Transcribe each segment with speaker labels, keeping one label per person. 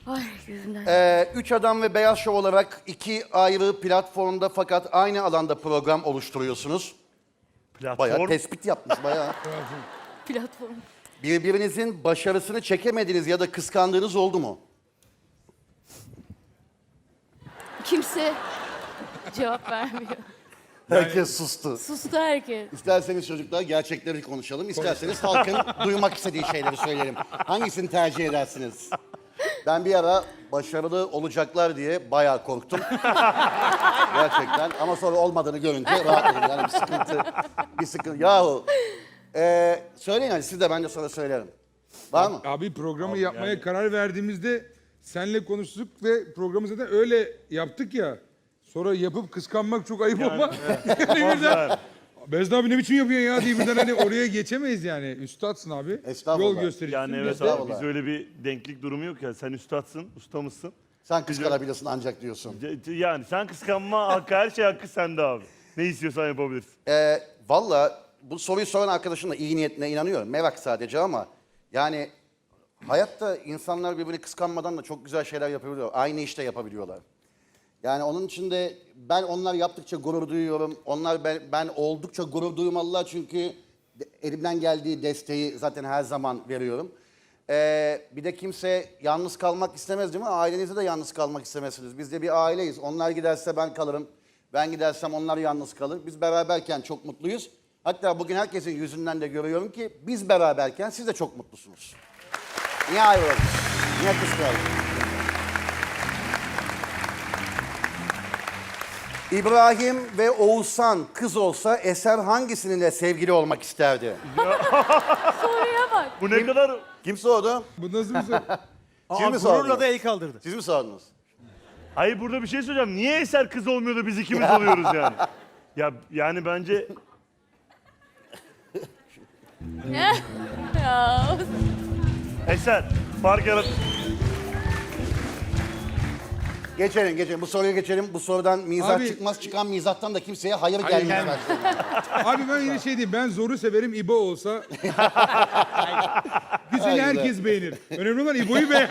Speaker 1: Ay gözümden.
Speaker 2: Üç Adam ve Beyaz Şov olarak iki ayrı platformda fakat aynı alanda program oluşturuyorsunuz. Bayağı
Speaker 3: Platform.
Speaker 2: tespit yapmış bayağı.
Speaker 1: Platform.
Speaker 2: Birbirinizin başarısını çekemediğiniz ya da kıskandığınız oldu mu?
Speaker 1: Kimse cevap vermiyor.
Speaker 2: Herkes sustu.
Speaker 1: Sustu herkes.
Speaker 2: İsterseniz çocuklar gerçekleri konuşalım. İsterseniz halkın duymak istediği şeyleri söyleyelim. Hangisini tercih edersiniz? Ben bir ara başarılı olacaklar diye bayağı korktum. Gerçekten. Ama sonra olmadığını görünce rahatladım. Yani bir sıkıntı. Yahu. Söyleyin hadi siz de ben de sonra söylerim. Var mı?
Speaker 4: Abi programı yapmaya karar verdiğimizde senle konuştuk ve programı zaten öyle yaptık ya. Sonra yapıp kıskanmak çok ayıp ama. Yani birden, Bezda abi ne biçim yapıyorsun ya diye birden hani oraya geçemeyiz yani. Üstadsın abi.
Speaker 2: Estağfurullah.
Speaker 4: Yol göstericisin.
Speaker 3: Yani evet
Speaker 2: Estağfurullah.
Speaker 3: abi biz öyle bir denklik durumu yok ya. Sen üstadsın, ustamızsın.
Speaker 2: Sen kıskanabilirsin ancak diyorsun.
Speaker 3: Yani sen kıskanma hakkı, her şey hakkı sende abi. Ne istiyorsan yapabilirsin.
Speaker 2: Valla bu soruyu soran arkadaşın da iyi niyetine inanıyorum. Merak sadece ama yani hayatta insanlar birbirini kıskanmadan da çok güzel şeyler yapabiliyor. Aynı işte yapabiliyorlar. Yani onun için de ben onlar yaptıkça gurur duyuyorum. Onlar ben oldukça gurur duymalılar çünkü elimden geldiği desteği zaten her zaman veriyorum. Bir de kimse yalnız kalmak istemez değil mi? Ailenizde de yalnız kalmak istemezsiniz. Biz de bir aileyiz. Onlar giderse ben kalırım. Ben gidersem onlar yalnız kalır. Biz beraberken çok mutluyuz. Hatta bugün herkesin yüzünden de görüyorum ki biz beraberken siz de çok mutlusunuz. Niye ayrıldınız? Niye kıskandınız? İbrahim ve Oğuzhan kız olsa Eser hangisinin sevgili olmak isterdi?
Speaker 1: Soruya bak.
Speaker 3: Bu ne kadar...
Speaker 2: Kim sordu?
Speaker 4: Bu nasıl bir soru?
Speaker 2: Siz mi sordunuz?
Speaker 5: Gururla da el kaldırdı.
Speaker 2: Siz mi sordunuz?
Speaker 3: Hayır burada bir şey söyleyeceğim. Niye Eser kız olmuyor da biz ikimiz oluyoruz yani? Ya yani bence
Speaker 1: Ya.
Speaker 3: Eser fark yarat...
Speaker 2: Geçelim. Bu soruya geçelim. Bu sorudan mizah
Speaker 4: Abi-
Speaker 2: çıkmaz. Çıkan mizahtan da kimseye hayır
Speaker 4: Hayır,
Speaker 2: gelmez.
Speaker 4: Abi ben yine şey diyeyim. Ben zoru severim. İbo olsa. Güzeli herkes beğenir. Önemli olan İbo'yu beğen.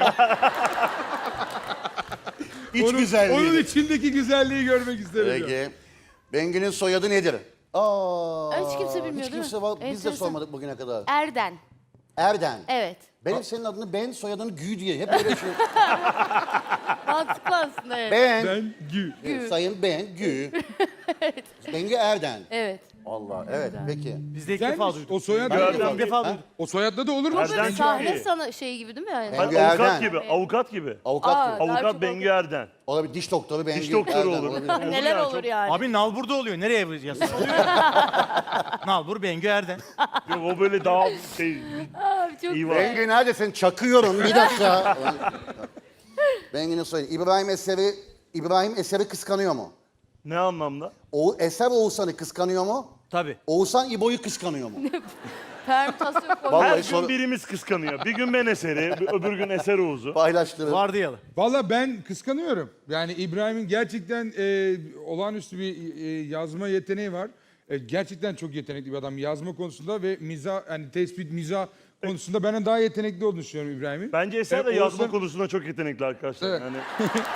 Speaker 2: İç güzelliği.
Speaker 4: Onun içindeki güzelliği görmek isterim. ya.
Speaker 2: Peki. Bengü'nün soyadı nedir?
Speaker 1: Hiç kimse bilmiyor
Speaker 2: Hiç
Speaker 1: değil
Speaker 2: kimse
Speaker 1: mi?
Speaker 2: var. Biz de
Speaker 1: Enteresan.
Speaker 2: sormadık bugüne kadar.
Speaker 1: Erden.
Speaker 2: Erden.
Speaker 1: Evet.
Speaker 2: Benim senin adını Ben, soyadını Gü diye. Hep öyle şey.
Speaker 1: Mantıklı aslında evet.
Speaker 2: Ben.
Speaker 4: Ben Gü.
Speaker 2: Sayın Ben, Gü. Bengü Erden.
Speaker 1: Evet.
Speaker 2: Allah, evet. Peki.
Speaker 5: Biz de ilk
Speaker 4: Sen
Speaker 5: defa duyduk.
Speaker 4: o soyad
Speaker 5: İlk defa duyduk.
Speaker 4: o soyadla da olur mu?
Speaker 3: Erden çok
Speaker 1: Sahne
Speaker 3: iyi.
Speaker 1: sana şey gibi değil mi yani?
Speaker 2: Bengü
Speaker 3: Avukat
Speaker 2: Erden.
Speaker 3: gibi, avukat gibi.
Speaker 2: Avukat
Speaker 1: Aa,
Speaker 2: gibi.
Speaker 1: daha
Speaker 3: Avukat
Speaker 1: çok
Speaker 3: Bengü Erden.
Speaker 2: Olabilir. Diş doktoru Bengü
Speaker 3: Diş doktoru
Speaker 2: Erden
Speaker 3: olur.
Speaker 2: olabilir.
Speaker 1: Neler
Speaker 3: yani,
Speaker 1: olur
Speaker 3: çok-
Speaker 1: yani?
Speaker 5: Abi nalburda oluyor. Nereye yazıyor? Nalbur Bengü Erden.
Speaker 3: Yok, o böyle daha şey...
Speaker 1: Abi çok
Speaker 3: İyi var.
Speaker 2: Bengü neredesin? Çakıyorum. Bir dakika. Bengü'nün soyadı. İbrahim Eser'i kıskanıyor mu?
Speaker 3: Ne anlamda?
Speaker 2: Eser Oğuzhan'ı kıskanıyor mu?
Speaker 5: Tabii.
Speaker 2: Oğuzhan İbo'yu kıskanıyor mu?
Speaker 1: Permütasyon koyuyor.
Speaker 2: Vallahi
Speaker 3: Her gün
Speaker 2: soru-
Speaker 3: birimiz kıskanıyor. Bir gün ben Eser'i, öbür gün Eser Oğuz'u.
Speaker 2: Paylaştırın.
Speaker 5: Vardiyalı.
Speaker 4: Valla ben kıskanıyorum. Yani İbrahim'in gerçekten olağanüstü bir yazma yeteneği var. Gerçekten çok yetenekli bir adam yazma konusunda ve mizah, yani tespit, mizah konusunda benden daha yetenekli olduğunu düşünüyorum İbrahim'in.
Speaker 3: Bence Eser de
Speaker 4: Oğuzhan-
Speaker 3: yazma konusunda çok yetenekli arkadaşlar.
Speaker 4: Evet.
Speaker 3: Yani...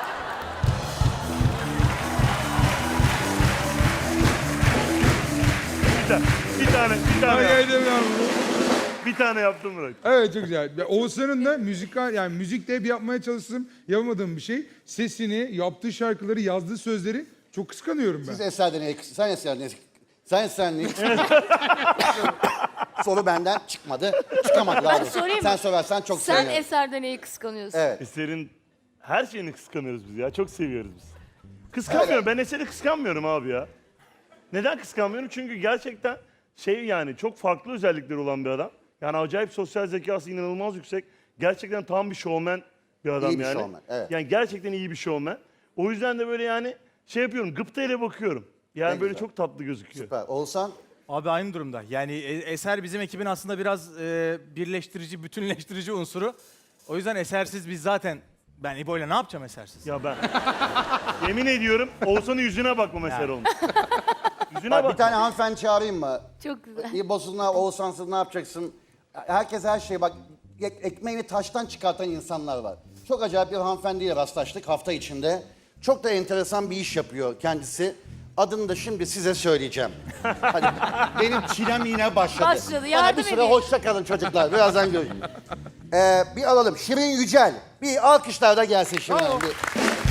Speaker 4: Ay, demiyorum.
Speaker 3: Bir tane yaptım bırak.
Speaker 4: Evet çok güzel. Ve Oğuzhan'ın da yani müzikte hep yapmaya çalıştım. Yapamadığım bir şey. Sesini, yaptığı şarkıları, yazdığı sözleri çok kıskanıyorum ben.
Speaker 2: Siz Eser'den sen Eser'den sen soru benden çıkmadı. Çıkamadı daha doğrusu.
Speaker 1: sorayım
Speaker 2: Sen
Speaker 1: mı?
Speaker 2: sorarsan çok
Speaker 1: Sen
Speaker 2: sevinirim.
Speaker 1: Eser'den neyi kıskanıyorsun?
Speaker 2: Evet.
Speaker 3: Eser'in her şeyini kıskanıyoruz biz ya. Çok seviyoruz biz. Kıskanmıyorum. Ben Eser'i kıskanmıyorum abi ya. Neden kıskanmıyorum? Çünkü gerçekten yani çok farklı özellikleri olan bir adam. Yani acayip sosyal zekası inanılmaz yüksek. Gerçekten tam bir şovmen bir adam
Speaker 2: İyi bir
Speaker 3: yani.
Speaker 2: şovmen, evet.
Speaker 3: Yani gerçekten iyi bir şovmen. O yüzden de böyle yani yapıyorum. Gıptayla bakıyorum. Yani
Speaker 2: Ne
Speaker 3: böyle
Speaker 2: güzel.
Speaker 3: çok tatlı gözüküyor.
Speaker 2: Süper. Oğuzhan
Speaker 5: Abi aynı durumda. Yani Eser bizim ekibin aslında biraz birleştirici, bütünleştirici unsuru. O yüzden Esersiz biz zaten... Ben İbo'yla ne yapacağım Esersiz?
Speaker 3: Ya ben yemin ediyorum Oğuzhan'ın yüzüne bakma Eser olmuş. Yüzüne
Speaker 2: bak,
Speaker 3: bak.
Speaker 2: bir tane hanımefendi çağırayım mı?
Speaker 1: Çok güzel.
Speaker 2: İbo'suna, Oğuzhan'sız ne yapacaksın? Herkes her şey bak ekmeğini taştan çıkartan insanlar var. Çok acayip bir hanımefendiyle rastlaştık hafta içinde. Çok da enteresan bir iş yapıyor kendisi. Adını da şimdi size söyleyeceğim. Hadi, benim çilem yine başladı.
Speaker 1: Başladı,
Speaker 2: Bana
Speaker 1: yardım
Speaker 2: bir süre
Speaker 1: edin.
Speaker 2: hoşça kalın çocuklar. Birazdan görüşürüz. Bir alalım. Şirin Yücel. Bir alkışlar da gelsin Şirin Hanım. Bir-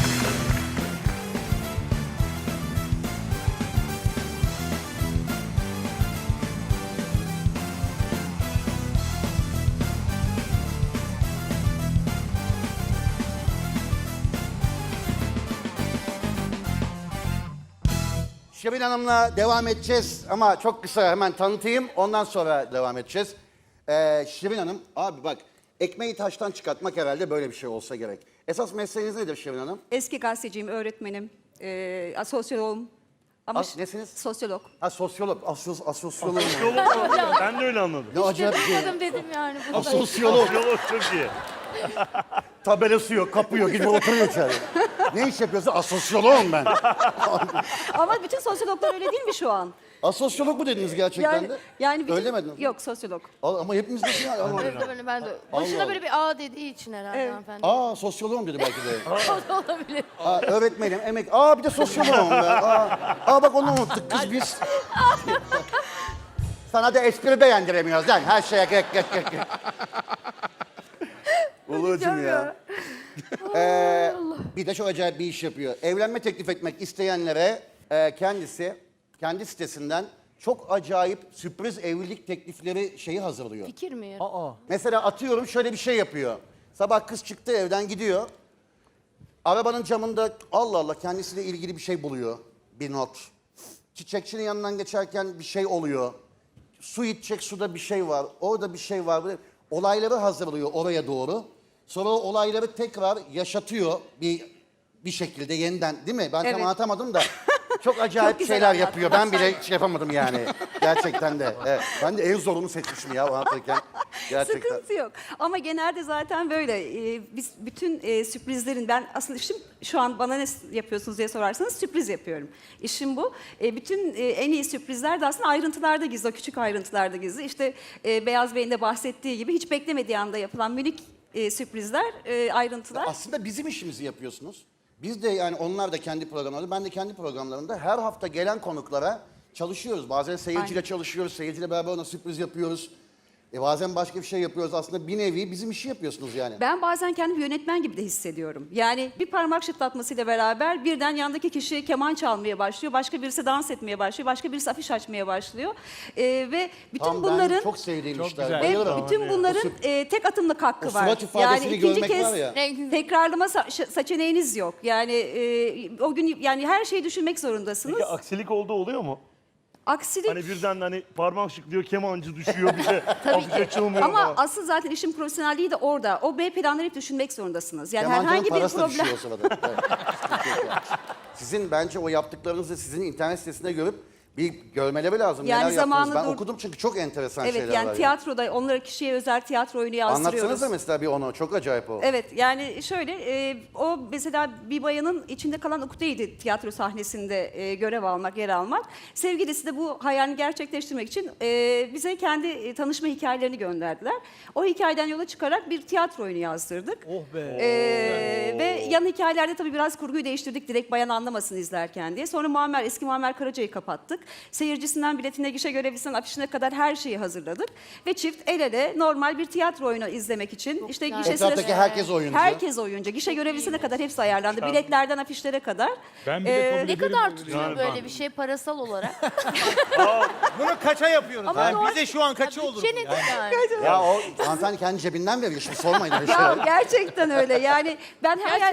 Speaker 2: Şirin Hanım'la devam edeceğiz ama çok kısa hemen tanıtayım. Ondan sonra devam edeceğiz. Şirin Hanım, abi bak ekmeği taştan çıkartmak herhalde böyle bir şey olsa gerek. Esas mesleğiniz nedir Şirin Hanım?
Speaker 6: Eski gazeteciyim, öğretmenim, sosyoloğum. Ama
Speaker 2: Nesiniz?
Speaker 6: sosyolog.
Speaker 2: Ha sosyolog, asosyolog.
Speaker 3: Ben de öyle anladım.
Speaker 2: Ne acayip bir şey.
Speaker 1: Duymadım dedim yani. Bu da-
Speaker 2: Asosyolog.
Speaker 3: Yolu çok iyi.
Speaker 2: Tabelası yok, kapıyor, gidip oturuyor içeri. Ne iş yapıyorsun? Asosyoloğum ben.
Speaker 6: Ama bütün sosyologlar öyle değil mi şu an?
Speaker 2: Asosyolog mu dediniz gerçekten de?
Speaker 6: bütün,
Speaker 2: Öyle demediniz.
Speaker 6: Yok, sosyolog.
Speaker 2: Ama hepimiz de şey. Ama...
Speaker 1: Evet, ben de. Boşuna böyle bir A dediği için herhalde
Speaker 6: Evet.
Speaker 1: hanımefendi.
Speaker 2: Sosyoloğum dedi belki de.
Speaker 1: O da olabilir.
Speaker 2: Öğretmenim, emek. Bir de sosyoloğum ben. Bak onu unuttuk kız biz. Sana da espri beğendiremiyoruz lan. Her şeye gek. Ulucum ya. Bir de çok acayip bir iş yapıyor. Evlenme teklif etmek isteyenlere kendi sitesinden çok acayip sürpriz evlilik teklifleri şeyi hazırlıyor.
Speaker 1: Fikir mi ya?
Speaker 2: Mesela atıyorum şöyle bir şey yapıyor. Sabah kız çıktı evden gidiyor. Arabanın camında Allah Allah kendisiyle ilgili bir şey buluyor. Bir not. Çiçekçinin yanından geçerken bir şey oluyor. Su içecek, suda bir şey var. Orada bir şey var. Böyle olayları hazırlıyor oraya doğru. Sonra o olayları tekrar yaşatıyor bir şekilde yeniden, değil mi? Ben tam
Speaker 6: Evet.
Speaker 2: anlatamadım da. Çok acayip
Speaker 6: Çok güzel
Speaker 2: şeyler
Speaker 6: anlattın.
Speaker 2: yapıyor. Ben bile şey yapamadım yani. Gerçekten de. Evet. Ben de en zorunu seçmişim ya anlatırken. Gerçekten.
Speaker 6: Sıkıntı yok. Ama genelde zaten böyle biz bütün sürprizlerin, ben aslında işim şu an bana ne yapıyorsunuz diye sorarsanız sürpriz yapıyorum. İşim bu. Bütün en iyi sürprizler de aslında ayrıntılarda gizli, o küçük ayrıntılarda gizli. İşte Beyaz Bey'in de bahsettiği gibi hiç beklemediği anda yapılan minik sürprizler, ayrıntılar.
Speaker 2: Aslında bizim işimizi yapıyorsunuz. Biz de yani onlar da kendi programlarında, ben de kendi programlarımda her hafta gelen konuklara çalışıyoruz. Bazen seyirciyle çalışıyoruz, seyirciyle beraber ona sürpriz yapıyoruz. Bazen başka bir şey yapıyoruz. Aslında bir nevi bizim işi yapıyorsunuz yani.
Speaker 6: Ben bazen kendimi yönetmen gibi de hissediyorum. Yani bir parmak şıklatmasıyla beraber birden yandaki kişi keman çalmaya başlıyor. Başka birisi dans etmeye başlıyor. Başka birisi afiş açmaya başlıyor. Ve bütün
Speaker 2: Tam
Speaker 6: bunların...
Speaker 2: ben çok sevdiğim
Speaker 5: Çok
Speaker 2: işler.
Speaker 5: güzel.
Speaker 6: Ve
Speaker 2: Bayılırım.
Speaker 6: bütün bunların tek atımlık hakkı
Speaker 2: O
Speaker 6: var.
Speaker 2: surat ifadesini
Speaker 6: ikinci
Speaker 2: görmek
Speaker 6: kez
Speaker 2: var ya.
Speaker 1: Ne güzel.
Speaker 6: tekrarlama seçeneğiniz yok. Yani o gün yani her şeyi düşünmek zorundasınız.
Speaker 3: Peki aksilik oldu oluyor mu?
Speaker 6: Aksilik
Speaker 3: Hani birden hani parmak şıklıyor, kemancı düşüyor bir de afiş açılmıyor
Speaker 6: ama
Speaker 3: falan.
Speaker 6: asıl zaten işin profesyonelliği de orada. O B planları hep düşünmek zorundasınız. Yani
Speaker 2: Kemancının
Speaker 6: herhangi bir
Speaker 2: parası da
Speaker 6: problem...
Speaker 2: düşüyor o sırada. Evet. Sizin bence o yaptıklarınızı sizin internet sitesinde görüp bir görmeleri lazım.
Speaker 6: Yani
Speaker 2: Neler yaptınız. Ben
Speaker 6: zamanı
Speaker 2: okudum çünkü çok enteresan
Speaker 6: Evet
Speaker 2: şeyler
Speaker 6: yani
Speaker 2: var.
Speaker 6: tiyatroda onlara kişiye özel tiyatro oyunu yazdırıyoruz.
Speaker 2: Anlatsanıza mesela bir onu. Çok acayip o.
Speaker 6: Evet yani şöyle o mesela bir bayanın içinde kalan ukdeydi tiyatro sahnesinde görev almak, yer almak. Sevgilisi de bu hayalini gerçekleştirmek için bize kendi tanışma hikayelerini gönderdiler. O hikayeden yola çıkarak bir tiyatro oyunu yazdırdık.
Speaker 5: Oh be.
Speaker 6: Ve yan hikayelerde tabii biraz kurguyu değiştirdik direkt bayan anlamasın izlerken diye. Sonra eski Muammer Karaca'yı kapattık. Seyircisinden biletine, gişe görevlisinden afişine kadar her şeyi hazırladık. Ve çift el ele normal bir tiyatro oyunu izlemek için işte
Speaker 1: güzel.
Speaker 6: gişe
Speaker 2: Etraftaki
Speaker 6: sırası...
Speaker 2: herkes oyuncu.
Speaker 6: Herkes oyuncu. Gişe görevlisine kadar hepsi ayarlandı. Biletlerden afişlere kadar.
Speaker 4: Ben bile kabul
Speaker 1: Ne
Speaker 4: ederim.
Speaker 1: kadar tutuyor
Speaker 3: Yani
Speaker 1: böyle
Speaker 3: ben-
Speaker 1: bir şey parasal olarak?
Speaker 5: Bunu kaça yapıyoruz?
Speaker 1: Ama
Speaker 5: Yani
Speaker 1: doğru-
Speaker 5: bize şu an kaçı olur?
Speaker 1: Bütçe nedir yani?
Speaker 2: Ya o hanımefendi kendi cebinden veriyor. Şimdi sormayın öyle
Speaker 6: Ya
Speaker 2: şeyler.
Speaker 6: gerçekten öyle. Yani ben hayal...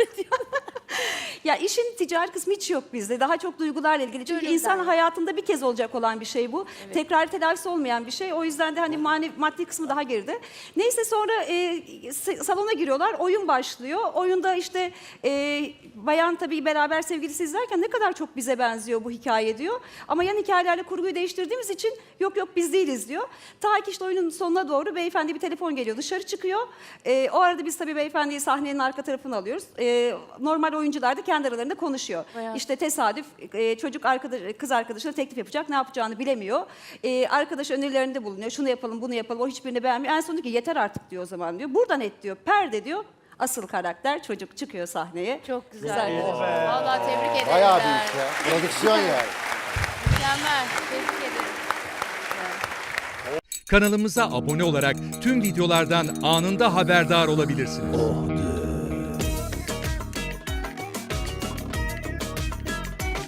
Speaker 6: Ya işin ticari kısmı hiç yok bizde. Daha çok duygularla ilgili. Çünkü
Speaker 1: Gönülden.
Speaker 6: insan hayatında bir kez olacak olan bir şey bu. Tekrar telafisi olmayan bir şey. O yüzden de hani maddi kısmı daha geride. Neyse sonra salona giriyorlar. Oyun başlıyor. Oyunda işte bayan tabii beraber sevgilisi izlerken ne kadar çok bize benziyor bu hikaye diyor. Ama yan hikayelerle kurguyu değiştirdiğimiz için yok biz değiliz diyor. Ta ki işte oyunun sonuna doğru beyefendi bir telefon geliyor. Dışarı çıkıyor. O arada biz tabii beyefendiyi sahnenin arka tarafına alıyoruz. Normal oyuncular da kendi aralarında konuşuyor.
Speaker 1: Bayağı.
Speaker 6: İşte tesadüf kız arkadaşına teklif yapacak, ne yapacağını bilemiyor. Arkadaş önerilerinde bulunuyor. Şunu yapalım, bunu yapalım. O hiçbirini beğenmiyor. En son diyor ki yeter artık diyor o zaman diyor. Buradan et diyor. Perde diyor. Asıl karakter çocuk çıkıyor sahneye.
Speaker 1: Çok güzel.
Speaker 6: Güzel.
Speaker 1: Vallahi tebrik ederim.
Speaker 2: Bayağı büyük ya. Prodüksiyon yani.
Speaker 1: Mükemmel. Tebrik ederim.
Speaker 7: Kanalımıza abone olarak tüm videolardan anında haberdar olabilirsiniz.